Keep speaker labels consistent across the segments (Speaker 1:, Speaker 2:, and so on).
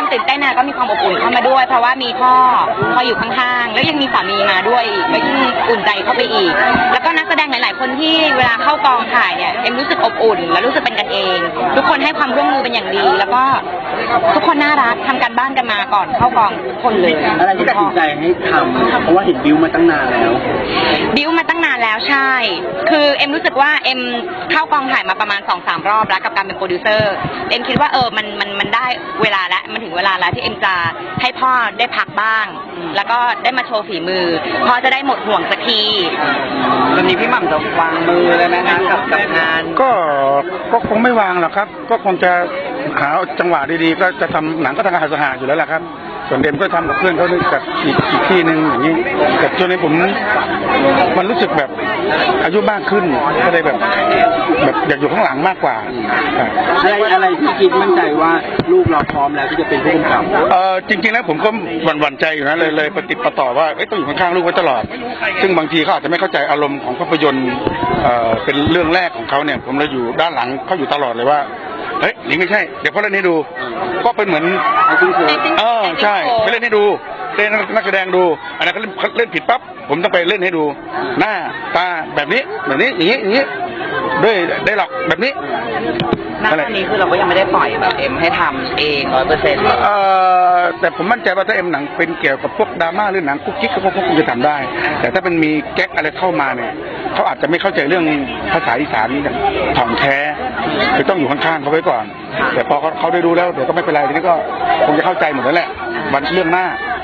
Speaker 1: ตื่นเต้นนะก็มีความอบอุ่นเข้ามาด้วยเพราะว่ามีพ่ออยู่ข้างๆแล้วยังมีสามีมาด้วยก็ยิ่งอุ่นใจเข้าไปอีกแล้วก็นักแสดงหลายๆคนที่เวลาเข้ากองถ่ายเนี่ยเอ็มรู้สึกอบอุ่นและรู้สึกเป็นกันเองทุกคนให้ความร่วมมือเป็นอย่างดีแล้วก็ทุกคนน่ารักทำการบ้านกันมาก่อนเข้ากองทุกคนเลย
Speaker 2: อะไรที่ตัดสินใจให้ทำเพราะว่าเห็นบิวมาตั้งนานแล้ว
Speaker 1: ใช่คือเอ็มรู้สึกว่าเอ็มเข้ากองถ่ายมาประมาณ 2-3 รอบแล้วกับการเป็นโปรดิวเซอร์เอ็มคิดว่ามันได้เวลาแล้วมันถึงเวลาแล้วที่เอ็มจะให้พ่อได้พักบ้างแล้วก็ได้มาโชว์ฝีมือพ่อจะได้หมดห่วงสักที
Speaker 2: ตอนนี้พี่หม่ำจะวางมือเลยไหมคะกับงาน
Speaker 3: ก็คงไม่วางหรอกครับก็คงจะหาจังหวะดีๆก็จะทำหนังก็ทำหาอยู่แล้วแหละครับส่วนเดมก็ทำกับเพื่อนเขากับอีกที่หนึ่งอย่างนี้แต่ช่วงนี้ผมมันรู้สึกแบบอายุมากขึ้นก็เลยแบบอยากอยู่ข้างหลังมากกว่า
Speaker 2: อะไรที่คิดมั่นใจว่าลูกเราพร้อมแล้วที่จะเป็นผู้กำกับ
Speaker 3: จริงๆแล้วผมก็หวั่นใจอยู่นะเลยปฏิปต่อว่าต้องอยู่ข้างๆลูกไว้ตลอดซึ่งบางทีเขาอาจจะไม่เข้าใจอารมณ์ของภาพยนตร์เป็นเรื่องแรกของเขาเนี่ยผมเลยอยู่ด้านหลังเขาอยู่ตลอดเลยว่าเฮ้ยนี่ไม่ใช่เดี๋ยวพ่อเล่นให้ดูก็เป็นเหมือนใช่ไปเล่นให้ดูเล่นนักแสดงดูอันนั้นเขาเล่นผิดปั๊บผมต้องไปเล่นให้ดูหน้าตาแบบนี้อย่างนี้ด้วยได้หรอกแบบนี้
Speaker 2: ณตอนนี้คือเราก็ยังไม่ได้ปล่อยแบบเอ็มให้ทำเอง
Speaker 3: 100%แต่ผมมั่นใจว่าถ้าเอ็มหนังเป็นเกี่ยวกับพวกดราม่าหรือหนังกุ๊กกิ๊กก็คงจะทำได้แต่ถ้าเป็นมีแก๊กอะไรเข้ามาเนี่ยเขาอาจจะไม่เข้าใจเรื่องภาษาอีสานนี่ถ่องแท้คือต้องอยู่ข้างๆเขาไว้ก่อนแต่พอเขาได้ดูแล้วเดี๋ยวก็ไม่เป็นไรทีนี้ก็คงจะเข้าใจหมดแล้วแหละวันเรื่องหน้า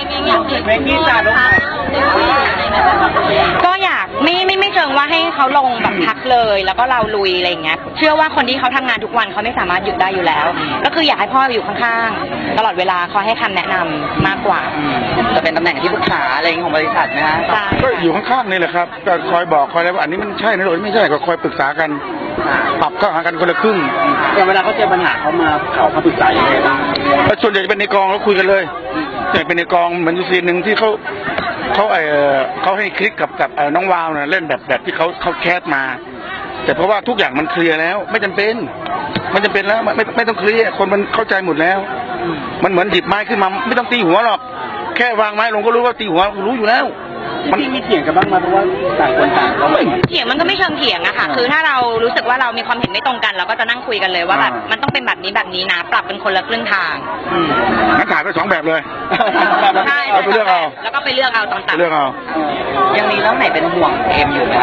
Speaker 1: ก็อยากไม่เชิงว่าให้เขาลงแบบพักเลยแล้วก็เราลุยอะไรอย่างเงี้ยเชื่อว่าคนที่เขาทำงานทุกวันเขาไม่สามารถหยุดได้อยู่แล้วก็คืออยากให้พ่ออยู่ข้างๆตลอดเวลาคอยให้คำแนะนำมากกว่า
Speaker 2: จะเป็นตำแหน่งที่ปรึกษาอะไรของบริษัทนะฮะ
Speaker 3: ก็อยู่ข้างๆนี่แหละครับก็คอยบอกคอยอะไรว่าอันนี้มันใช่นะหรือไม่ใช่ก็คอยปรึกษากันปรับเข้าหากันคนละครึ่ง
Speaker 2: แต่เวลาเขาเจอปัญหาเขามาเขาปรึกษายังไงบ้าง
Speaker 3: ส่วนใหญ่จะเป็นในกองแล้วคุยกันเลยอย่างเป็นในกองเหมือนซีนหนึ่งที่เขาให้คลิกกับน้องวาวเนี่ยเล่นแบบที่เขาแคสมาแต่เพราะว่าทุกอย่างมันเคลียร์แล้วไม่จำเป็นแล้วไม่ต้องเคลียร์คนมันเข้าใจหมดแล้วมันเหมือนหยิบไม้ขึ้นมาไม่ต้องตีหัวหรอกแค่วางไม้ลงก็รู้ว่าตีหัวรู้อยู่แล้ว
Speaker 2: มันมีเถียงกันบ้างไหมเพราะว่าต่างคนต่าง
Speaker 1: เถียงมันก็ไม่เชิงเถียงอะค่ะคือถ้าเรารู้สึกว่าเรามีความเห็นไม่ตรงกันเราก็จะนั่งคุยกันเลยว่าแบบมันต้องเป็นแบบนี้นะปรับเป็นคนละครึ่งทาง
Speaker 3: งั้นถ่ายไป2 แบบเลย
Speaker 1: ใช่
Speaker 3: ไปเลือกเอา
Speaker 1: แล้วก็ไปเลือกเอาต่างๆ
Speaker 3: เลือกเอา
Speaker 2: ยังมีเรื่องไหนเป็นห่วงเอ็มอยู่ไหม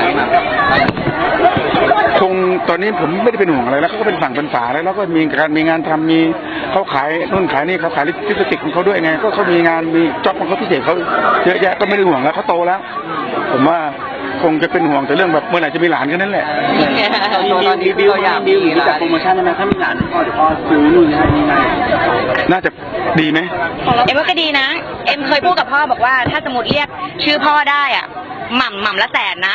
Speaker 3: คงตอนนี้ผมไม่ได้เป็นห่วงอะไรแล้วเขาก็เป็นฝั่งเป็นฝาแล้วก็มีงานทำมีเขาขายนู่นขายนี่เขาขายลิปสติกของเขาด้วยไงก็เขามีงานมีจ็อบของเขาพิเศษเขาเยอะแยะก็ไม่ได้ห่วงแล้วเขาโตแล้วผมว่าคงจะเป็นห่วงแต่เรื่องแบบเมื่อไหร่จะมีหลานแค่นั้นแหละ
Speaker 2: ตอนนี้บิวอยากมีจัดโปรโมชั่นได้ไหมถ้ามีหลานพ่อเดี๋ยวพ่อซื้อนู่นนี่นั่น
Speaker 3: น่าจะดีไหม
Speaker 1: เอ็มว่าก็ดีนะเอ็มเคยพูดกับพ่อบอกว่าถ้าสมมติเรียกชื่อพ่อได้อ่ะหม่ำละ100,000นะ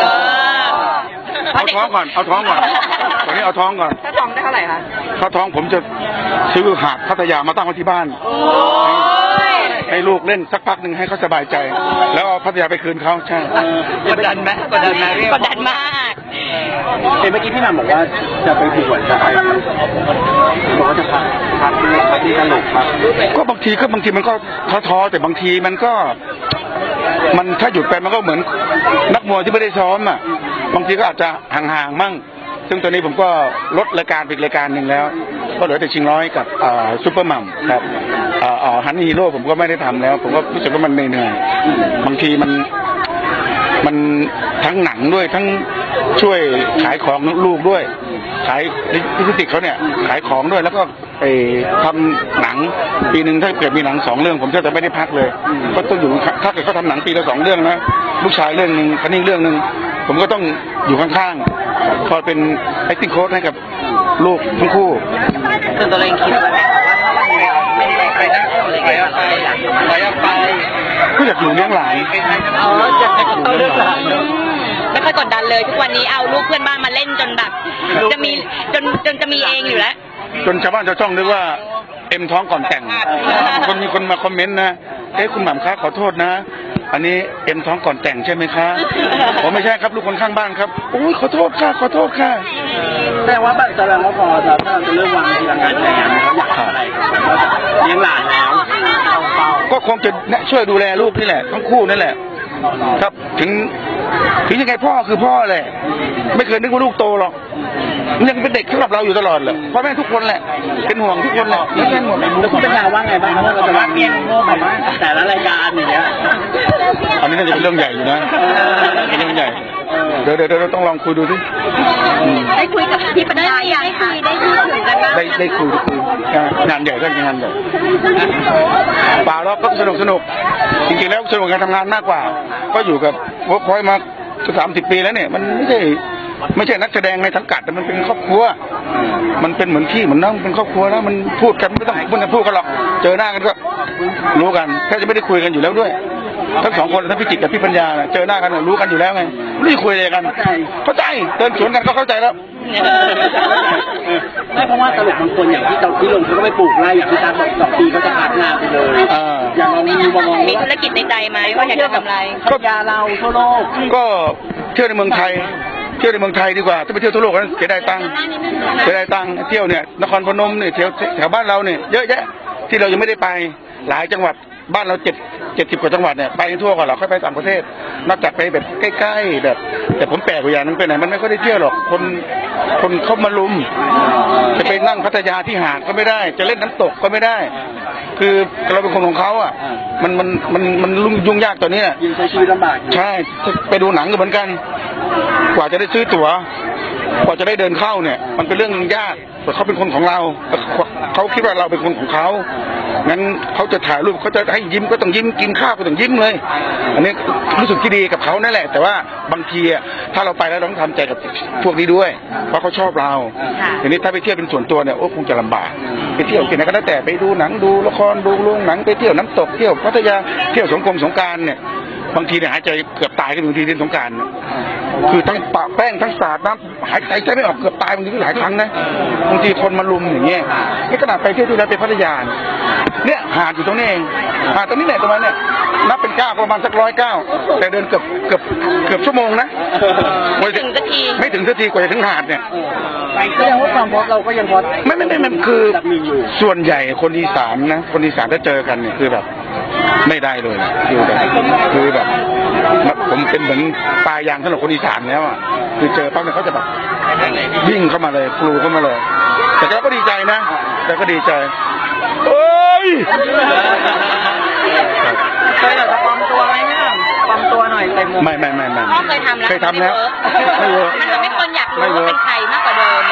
Speaker 3: เอาท้องก่อนวันนี้เอาท้องก่อน
Speaker 1: ถ้าท้องได้เท่าไหร่คะ
Speaker 3: ถ้าท้องผมจะซื้อหาดพัทยามาตั้งไว้ที่บ้านให้ลูกเล่นสักพักหนึ่งให้เขาสบายใจแล้วเอาพัทยาไปคืนเขาใช่
Speaker 2: กดดันไหม
Speaker 1: กดดันมาก
Speaker 2: เมื่อกี้พี่หม่ำบอกว่าจะไปถูกหัวใจบอกว่าจะพักที่ตลกครับ
Speaker 3: ก็บางทีมันก็ท้อแต่บางทีมันก็มันถ้าหยุดไปมันก็เหมือนนักมวยที่ไม่ได้ซ้อมอ่ะบางทีก็อาจจะห่างๆมั่งซึ่งตอนนี้ผมก็ลดรายการไปรายการหนึ่งแล้วก็เหลือแต่ชิงร้อยกับซุปเปอร์มัมครับฮันนี่ฮีโร่ผมก็ไม่ได้ทำแล้วผมก็รู้สึกว่ามันเหนื่อยบางทีมันทั้งหนังด้วยทั้งช่วยขายของลูกด้วยขายลิปสติกเขาเนี่ยขายของด้วยแล้วก็ไปทำหนังปีหนึ่งถ้าเกิดมีหนัง2 เรื่องผมจะไม่ได้พักเลยก็ต้องอยู่ถ้าเกิดเขาทำหนังปีละ2 เรื่องนะลูกชายเรื่องนึงคันนี้เรื่องนึงผมก็ต้องอยู่ข้างๆคอยเป็น acting coach ให้กับลูกทั้งคู่
Speaker 2: ส่วนตัวเองคิดว่าไม่ได้ไปนั่งอะไรไป
Speaker 3: ก็อยากอยู่เลี้ยงหลาน
Speaker 2: อยากเลี้ยงหลาน
Speaker 1: ไม่ค่อยกดดันเลยทุกวันนี้เอาลูกเพื่อนบ้านมาเล่นจนแบบจะมีจนจะมีเองอยู่แล้ว
Speaker 3: จนชาวบ้านชาวช่องนึกว่าเอ็มท้องก่อนแต่งมีคนมาคอมเมนต์นะคุณหม่ำคะขอโทษนะอันนี้เอ็มท้องก่อนแต่งใช่ไหมคะผมไม่ใช่ครับลูกคนข้างบ้านครับโอ้ยขอโทษค่ะ
Speaker 2: แต่ว่าพอถ้าเราจะเริ่มวางทีละงานอะไรอย่างเงี้ยอยากทำอะไรเลี้ยงหลานแล้ว
Speaker 3: คงจะช่วยดูแลลูกนี่แหละทั้งคู่นั่นแหละครับถึงยังไงพ่อคือพ่อแหละไม่เคยนึกว่าลูกโตหรอกยังเป็นเด็กสำหรับเราอยู่ตลอดแหละพ่อแม่ทุกคนแหละเป็นห่วงทุกคนแหละไม่ใช่หมด
Speaker 2: แล้วคุณปัญญาว่าไงบ้างครับว่าเราจะรับเลี้ยงลูกแบบว่าแต่ละรายการอย่างเงี้ย
Speaker 3: อันนี้น่าจะเป็นเรื่องใหญ่อยู่นะเป็นเรื่องใหญ่เดี๋ยวต้องลองคุยดูสิ
Speaker 1: ได้คุยกับพี่ปัญญาได้คุยถึงกันบ้าง
Speaker 3: ได้คุยงานใหญ่ก็งานใหญ่เปล่าแล้วก็สนุกจริงๆแล้วสนุกการทำงานมากกว่าก็อยู่กับเวิร์คพอยต์มา30 ปีแล้วเนี่ยมันไม่ใช่นักแสดงในสังกัดแต่มันเป็นครอบครัวมันเป็นเหมือนพี่เหมือนน้องเป็นครอบครัวแล้วมันพูดกันไม่ต้องพูดกันหรอกเจอหน้ากันก็รู้กันแค่จะไม่ได้คุยกันอยู่แล้วด้วยทั้ง2 คนทั้งพี่จิตกับพี่ปัญญาเจอหน้ากันรู้กันอยู่แล้วไงไม่ได้คุยอะไรกันเข้าใจเดินสวนกันก็เข้าใจแล้ว
Speaker 2: ไม่เพราะว่าตลกบางคนอย่างที่ลงเขาก็ไปปลูกไร่อย่างที่ตาบอก2 ปีเขาจะขาดงานไปเลยอย่างเรามี
Speaker 1: ธุรกิจในใจไหมว่าอยากจะทำอะไร
Speaker 2: ก็ยาเราทั่วโลก
Speaker 3: ก็เที่ยวในเมืองไทยดีกว่าถ้าไปเที่ยวทั่วโลกนั้นเสียดายตังค์เที่ยวเนี่ยนครพนมเนี่ยแถวบ้านเราเนี่ยเยอะแยะที่เรายังไม่ได้ไปหลายจังหวัดบ้านเรา70 กว่าจังหวัดเนี่ยไปทั่วก่อนเราค่อยไปต่างประเทศนอกจากไปแบบใกล้ๆแบบแต่ผมแปลกกว่าอย่างนึงไปไหนมันไม่ค่อยได้เที่ยวหรอกคนเข้ามาลุมจะไปนั่งพัทยาที่หาดก็ไม่ได้จะเล่นน้ำตกก็ไม่ได้คือเราเป็นคนของเขาอ่ะมันยุ่งยากตัวนี้
Speaker 2: ใช้ชีวิตลำบาก
Speaker 3: ใช่ไปดูหนังก็เหมือนกันกว่าจะได้ซื้อตั๋วกว่าจะได้เดินเข้าเนี่ยมันเป็นเรื่องยากแต่เขาเป็นคนของเราเขาคิดว่าเราเป็นคนของเขางั้นเขาจะถ่ายรูปเขาจะให้ยิ้มก็ต้องยิ้มกินข้าวก็ต้องยิ้มเลยอันนี้รู้สึกที่ดีกับเขานั่นแหละแต่ว่าบางทีถ้าเราไปแล้วต้องทำใจกับพวกนี้ด้วยเพราะเขาชอบเราทีนี้ถ้าไปเที่ยวเป็นส่วนตัวเนี่ยโอ้คงจะลำบากไปเที่ยวที่ไหนก็แล้วแต่ไปดูหนังดูละครดูโรงหนังไปเที่ยวน้ำตกเที่ยวพัทยาเที่ยวสงกรานต์เนี่ยบางทีเนี่ยหายใจเกือบตายกันบางทีเล่นสงกรานต์คือทั้งปะแป้งทั้งสาดน้ำหายใจไม่ออกเกือบตายบางทีก็หลายครั้งนะบางทีคนมาลุมอย่างเงี้ยนี่ขนาดไปเที่ยวที่แล้วไปพัทยาเนี่ยหาดอยู่ตรงนี้เองหาดตรงนี้ไหนตรงนั้นเนี่ยนับเป็น9ประมาณสัก109แต่เดินเกือบชั่วโมงนะไม่ถึงสักทีกว่าจะถึงหาดเนี่ย
Speaker 2: ก็ยังว่าความพอเราก็ยังพอ
Speaker 3: ไม่คือส่วนใหญ่คนอีสานนะคนอีสานถ้าเจอกันเนี่ยคือแบบไม่ได้เลยคือแบบผมเป็นเหมือนปลายางสำหรับคนอีสานแล้วอ่ะคือเจอปั๊บเนี่ยเขาจะแบบวิ่งเข้ามาเลยกลูเข้ามาเลยแต่ก็ดีใจนะแต่ก็ดีใจเอ้ย
Speaker 2: เคยจะปลอมตัวไหมเนี่ยปลอมตัวหน่อยเต็ม
Speaker 3: ไม่
Speaker 1: พ่อเคยทำแล้ว
Speaker 3: ไม่เวิร์ก
Speaker 1: มันทำให้คนอยากรู้ว่าเป็นใครมากกว่าเดิม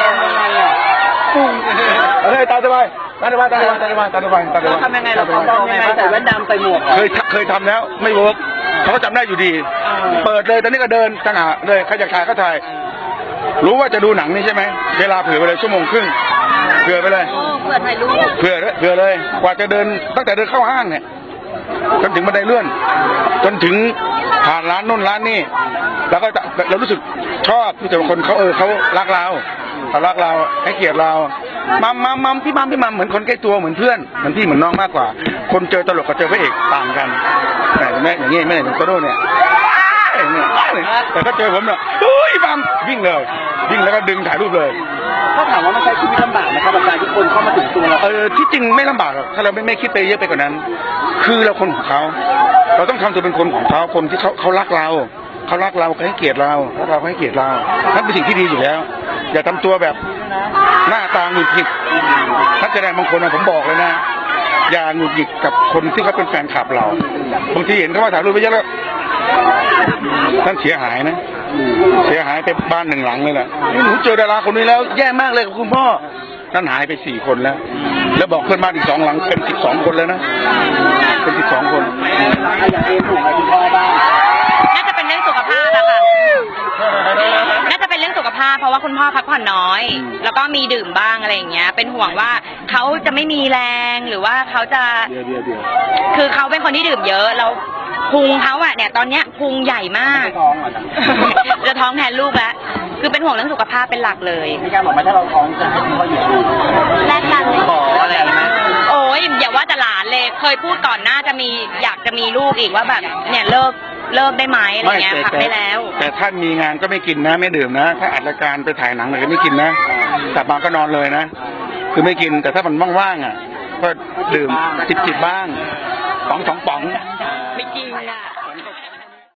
Speaker 3: ตาสบายทำ
Speaker 2: ยังไงเราปลอมยังไงใส่แว่นดำใส่หมวก
Speaker 3: เคยทำแล้วไม่เวิร์กเขาก็จำได้อยู่ดีเปิดเลยตอนนี้ก็เดินตั้งหาเลยใครอยากถ่ายก็ถ่ายรู้ว่าจะดูหนังนี่ใช่ไหมเวลาเผื่อไปเลย1.5 ชั่วโมงเผื่อไปเลย
Speaker 1: เผื่อถ่ายรูป
Speaker 3: เผื่อเลยกว่าจะเดินตั้งแต่เดินเข้าห้างเนี่ยจนถึงบันไดเลื่อนจนถึงผ่านร้านโน่นร้านนี่แล้วก็เรารู้สึกชอบที่แต่บางคนเขารักเราให้เกียรติเรามัมพี่มัมเหมือนคนใกล้ตัวเหมือนเพื่อนเหมือนพี่เหมือนน้องมากกว่าคนเจอตลกกับเจอพระเอกต่างกันแต่แม่อย่างงี้ไม่เหมือนโตโน่เนี่ยแต่ถ้าเจอผมเนี่ยมัมวิ่งแล้วก็ดึงถ่ายรูปเลย
Speaker 2: เขาถามว่าไม่ใช่ชีวิตลำบากนะครับอาจารย์ที่คนเข้ามาถึงตัวเรา
Speaker 3: ที่จริงไม่ลำบากหรอกถ้าเราไม่คิดไปเยอะไปกว่านั้นคือเราคนของเขาเราต้องทำตัวเป็นคนของเขาคนที่เขารักเราเขาให้เกียรติเราให้เกียรติเรานั่นเป็นสิ่งที่ดีอยู่แล้วอย่าทำตัวแบบหน้าตาหงุดหงิดนักแสดงบางคนผมบอกเลยนะอย่าหงุดหงิดกับคนที่เขาเป็นแฟนคลับเราบางทีเห็นเขาว่าถ่ายรูปไปเยอะแล้วท่านเสียหายนะไปบ้าน1 หลังเลยแหละหนูเจอดาราคนนี้แล้วแย่มากเลยกับคุณพ่อนั่นหายไป4 คนแล้วบอกเพื่อนบ้านอีก2 หลังเป็น12 คนแล้วนะเป็น12 คน
Speaker 1: น่าจะเป็นเรื่องสุขภาพอะค่ะน่าจะเป็นเรื่องสุขภาพเพราะว่าคุณพ่อพักผ่อนน้อยแล้วก็มีดื่มบ้างอะไรอย่างเงี้ยเป็นห่วงว่าเขาจะไม่มีแรงหรือว่าเขาจะคือเขาเป็นคนที่ดื่มเยอะแล้วพุงเขาอะเนี่ยตอนเนี้ยพุงใหญ่มากจะท้องแทนลูกแล้วคือเป็นห่วงเรื่องสุขภาพเป็นหลักเลย
Speaker 2: มีการบอกว่าถ้าเราท้องจะให้พ่ออยู่ดู
Speaker 1: แลกกัน
Speaker 2: ขออะไรไหม
Speaker 1: โอ้ยอย่าว่าแต่หลานเลยเคยพูดก่อนหน้าอยากจะมีลูกอีกว่าแบบเนี่ยเลิกได้ไหมอะไรเงี้ยพักได้แล้ว
Speaker 3: แต่ถ้ามีงานก็ไม่กินนะไม่ดื่มนะถ้าอัดรายการไปถ่ายหนังอะไรก็ไม่กินนะกลับมาก็นอนเลยนะคือไม่กินแต่ถ้ามันว่างๆอ่ะก็ดื่มจิบบ้าง 2 ป๋อง
Speaker 1: ไม่จริงอ่ะ